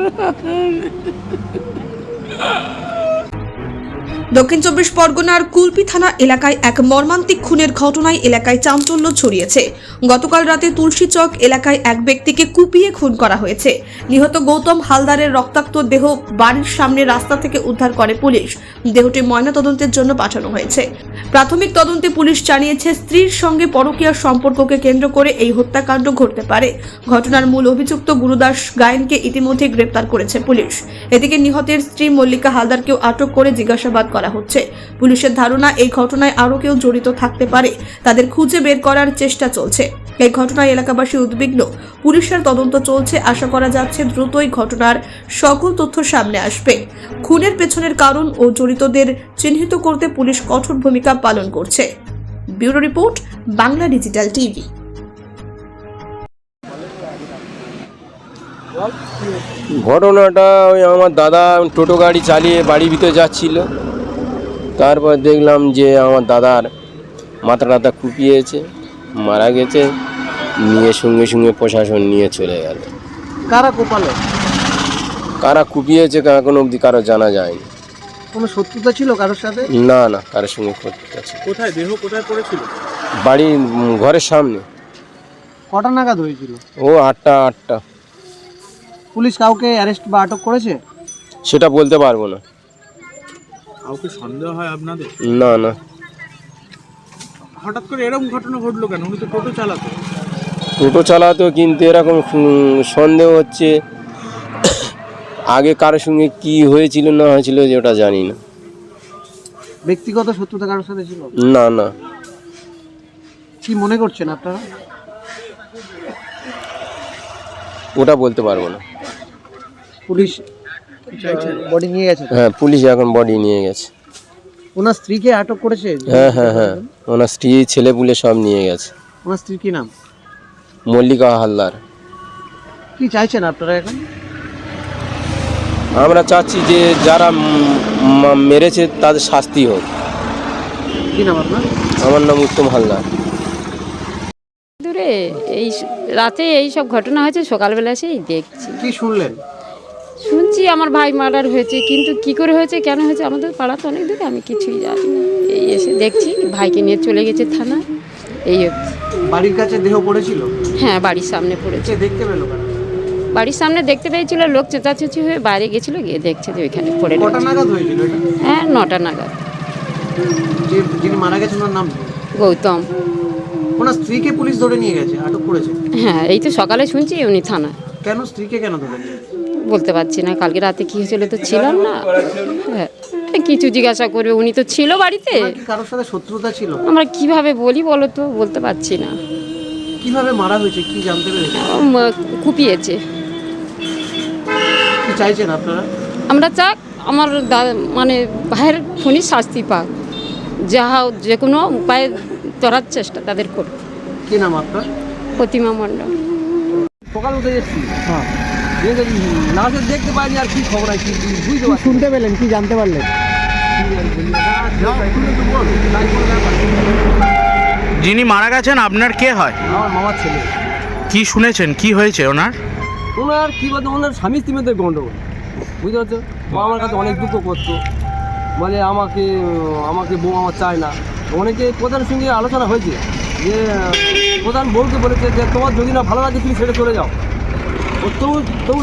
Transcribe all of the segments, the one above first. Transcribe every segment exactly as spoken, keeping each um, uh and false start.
দক্ষিণ চব্বিশ পরগনার কুলপি থানা এলাকায় এক মর্মান্তিক খুনের ঘটনায় এলাকায় চাঞ্চল্য ছড়িয়েছে। গতকাল রাতে তুলসীচক এলাকায় এক ব্যক্তিকে কুপিয়ে খুন করা হয়েছে। নিহত গৌতম হালদারের রক্তাক্ত দেহ বাড়ির সামনে রাস্তা থেকে উদ্ধার করে পুলিশ। দেহটি ময়নাতদন্তের জন্য পাঠানো হয়েছে। প্রাথমিক তদন্তে পুলিশ জানিয়েছে, স্ত্রীর সঙ্গে পরকীয়া সম্পর্ককে কেন্দ্র করে এই হত্যাকাণ্ড ঘটতে পারে। ঘটনার মূল অভিযুক্ত গুরুদাস গায়েনকে ইতিমধ্যে গ্রেপ্তার করেছে পুলিশ। এদিকে নিহতের স্ত্রী মল্লিকা হালদারকেও আটক করে জিজ্ঞাসাবাদ করা হচ্ছে। পুলিশের ধারণা এই ঘটনায় আরও কেউ জড়িত থাকতে পারে, তাদের খুঁজে বের করার চেষ্টা চলছে। এই ঘটনায় এলাকাবাসী উদ্বিগ্ন। পুলিশের তদন্ত চলছে, আশা করা যাচ্ছে দ্রুতই ঘটনার সকল তথ্য সামনে আসবে। খুনের পেছনের কারণ ও জড়িতদের চিহ্নিত করতে পুলিশ কঠোর ভূমিকা পালন করছে। Bureau report, Bangla digital TV. ঘটনাটা ওই আমার দাদা টোটো গাড়ি চালিয়ে বাড়ির ভিতরে যাচ্ছিল, তারপর দেখলাম যে আমার দাদার মাথা টাথা কুপিয়েছে, মারা গেছে। নিয়ে সঙ্গে সঙ্গে প্রশাসন নিয়ে চলে গেল। কারা কোপালো? কারা কুপিয়েছে এখনো অবধি কারো জানা যায়নি। কোনো শত্রুতা ছিল কারোর সাথে? না না, কারোর সঙ্গে শত্রুতা ছিল। কোথায় দেহ কোথায় পড়েছিল? বাড়ির ঘরের সামনে। কটা নাগাদ হয়েছিল? ও আটটা আটটা। পুলিশ কাউকে অ্যারেস্ট বা আটক করেছে? সেটা বলতে পারবো না। কাউকে সন্দেহ হয় আপনাদের? না না। হঠাৎ করে এরকম ঘটনা ঘটলো কেন? উনি তো টোটো চালাতো। টোটো চালাতো, কিন্তু এরকম সন্দেহ হচ্ছে আগে কারোর সঙ্গে কি হয়েছিল না হয়েছিল যে ওটা জানি না। ব্যক্তিগত শত্রুতা কারোর সাথে ছিল? না না। কি মনে করছেন আপনারা? ওটা বলতে পারবো না। পুলিশ বডি নিয়ে গেছে? হ্যাঁ, পুলিশ এখন বডি নিয়ে গেছে। ওনার স্ত্রীকে আটক করেছে? হ্যাঁ হ্যাঁ হ্যাঁ, ওনার স্ত্রী ছেলে পুলে সব নিয়ে গেছে। ওনার স্ত্রীর কি নাম? মল্লিকা হালদার। কি চাইছেন আপনারা এখন? আমরা চাচ্ছি যে যারা মেরেছে তাদের শাস্তি হোক। কি নাম আপনার? আমার নাম উত্তম হালদার। দূরে এই রাতে এই সব ঘটনা হয়েছে, সকালবেলা এসেই দেখছি। কি শুনলেন? শুনছি আমার ভাই মার্ডার হয়েছে, কিন্তু কি করে হয়েছে কেন হয়েছে আমাদের পাড়া তো অনেক দূরে, আমি কিছুই জানি না। এই এসে দেখছি ভাইকে নিয়ে চলে গেছে থানা। এই বাড়ির কাছে দেহ পড়েছিল? হ্যাঁ, বাড়ির সামনে পড়েছে। দেখতে পেলো কারা? বাড়ির সামনে দেখতে পেয়েছিল, লোক চেঁচাচেঁচি হয়ে বাইরে গেছিল, গিয়ে দেখছে যে ওইখানে পড়ে কটা রয়েছে। নাগাদ হয়েছিল এটা? হ্যাঁ, নটা নাগাদ। যে যিনি মারা গেছেন ওনার নাম? গৌতম। ওনার স্ত্রীকে পুলিশ ধরে নিয়ে গেছে, আটক করেছে? হ্যাঁ, এই তো সকালে শুনছি উনি থানা। কেন স্ত্রীকে কেন ধরে নিয়ে গেছে? বলতে পারছি না, কালকে রাতে কি হয়েছিল তো ছিলাম না। হ্যাঁ, কিছু জিজ্ঞাসা করবে, উনি তো ছিল বাড়িতে। কি কারোর সাথে শত্রুতা ছিল? আমরা কিভাবে বলি বলো তো, বলতে পারছি না। কিভাবে মারা হয়েছে কি জানতে পেরেছেন? কুপিয়েছে। কি চাইছেন আপনারা? আমরা চাক আমার মানে ভাইয়ের খুনি শাস্তি পাক, যাহা যে কোনো উপায়ে ধরার চেষ্টা তাদের করবে। কি নাম আপনার? প্রতিমা মণ্ডল। সকাল উঠে এসেছি, হ্যাঁ লাশে দেখতে পাইনি। আর কি খবর আছে বুঝতে পারছি? শুনতে পেলেন, কি জানতে পারলেন? যিনি মারা গেছেন আপনার কে হয়? আমার মামার ছেলে। কি শুনেছেন, কি হয়েছে ওনার? ওনার কি বলতো, ওনার স্বামী স্ত্রীদের গন্ডগোল, বুঝতে পারছো? ও আমার কাছে অনেক দুঃখ করতো, বলে আমাকে আমাকে বউ আমার চায় না। অনেকে প্রধানের সঙ্গে আলোচনা হয়েছে যে প্রধান বউকে বলেছে যে তোমার যদি না ভালো লাগে তুমি ছেড়ে চলে যাও। ও তবু তবু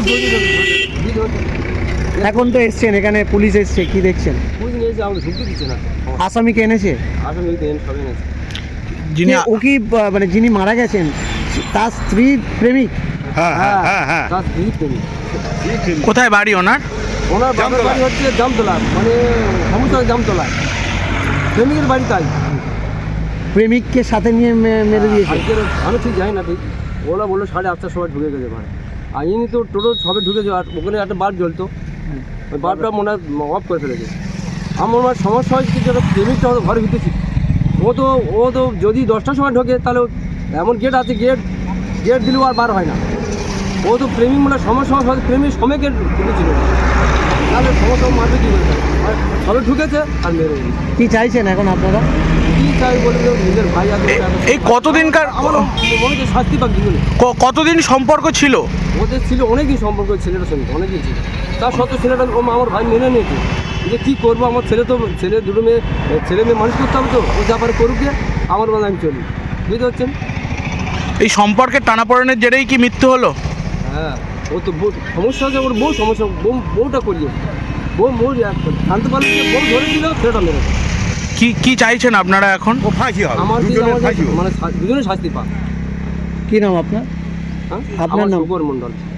এখন তো এসছেন এখানে, পুলিশ এসছে, কি দেখছেন? পুলিশ নিয়েছে, আমাকে ঢুকতে দিচ্ছে না। আসামিকে এনেছে? আসামি সব এনেছে। যিনি ও কি মানে যিনি মারা গেছেন তার স্ত্রী প্রেমিক? হ্যাঁ হ্যাঁ হ্যাঁ। তার স্ত্রী প্রেমিক। কোথায় বাড়ি ওনার? ওনার বাবার বাড়ি হচ্ছে জামতলা, মানে সমুদ্রের জামতলা। প্রেমিকের বাড়ি তাই। প্রেমিককে সাথে নিয়ে মেরে দিয়েছে? আমি ঠিক জানি না ঠিক। ওরা বললো সাড়ে আটটার সময় ঢুকে গেছে ভাই। আর ইনি তো টোটো সবে ঢুকেছে, আর ওখানে একটা বাল্ব জ্বলতো, ওই বাল্বটা মনে হয় অফ করে ফেলেছে। আমার মনে হয় সমস্যা হয়েছে যে প্রেমিকটা হয়তো ঘরে ভিতেছি। ও তো ও তো যদি দশটার সময় ঢোকে তাহলে এমন গেট আছে, গেট গেট দিলেও আর বার হয় না। ও তো প্রেমিক মানে সমস্যা হয়তো প্রেমিক সময় গেট ঢুকেছিল, তাহলে সমস্যা মারবে কী করে? সবে ঢুকেছে আর মেরে। কি চাইছেন এখন আপনারা? কি চাই বলে নিজের ভাই আছে। এই কতদিনকার আমার মনে হচ্ছে শাস্তি পাক জীবনে। কতদিন সম্পর্ক ছিল? ওদের ছিল অনেকদিন সম্পর্ক ছেলেটার সঙ্গে অনেকদিন ছিল, তার সত্ত্বেও ছেলেটা ও আমার ভাই মেনে নিয়েছে যে কী করবো, আমার ছেলে তো ছেলে দুটো মেয়ে ছেলে মেয়ে মানুষ করতে হবে তো, ও যা পারে করুক গিয়ে, আমার বেলা আমি চলি, বুঝতে পারছেন? এই সম্পর্কের টানাপোড়েনের জেরেই কি মৃত্যু হলো? হ্যাঁ, ও তো বউ সমস্যা আছে, ওর বউ সমস্যা, বউ বউটা করিয়ে বউ বউ জানতে পারলে যে বউ ধরে দিল ছেলেটা মেরে দেয়। কি কি চাইছেন আপনারা এখন? আমার কি আমার মানে দুজনে শাস্তি পাক। কি নাম আপনার? হ্যাঁ, আপনার আমার নাম? শুভর মণ্ডল।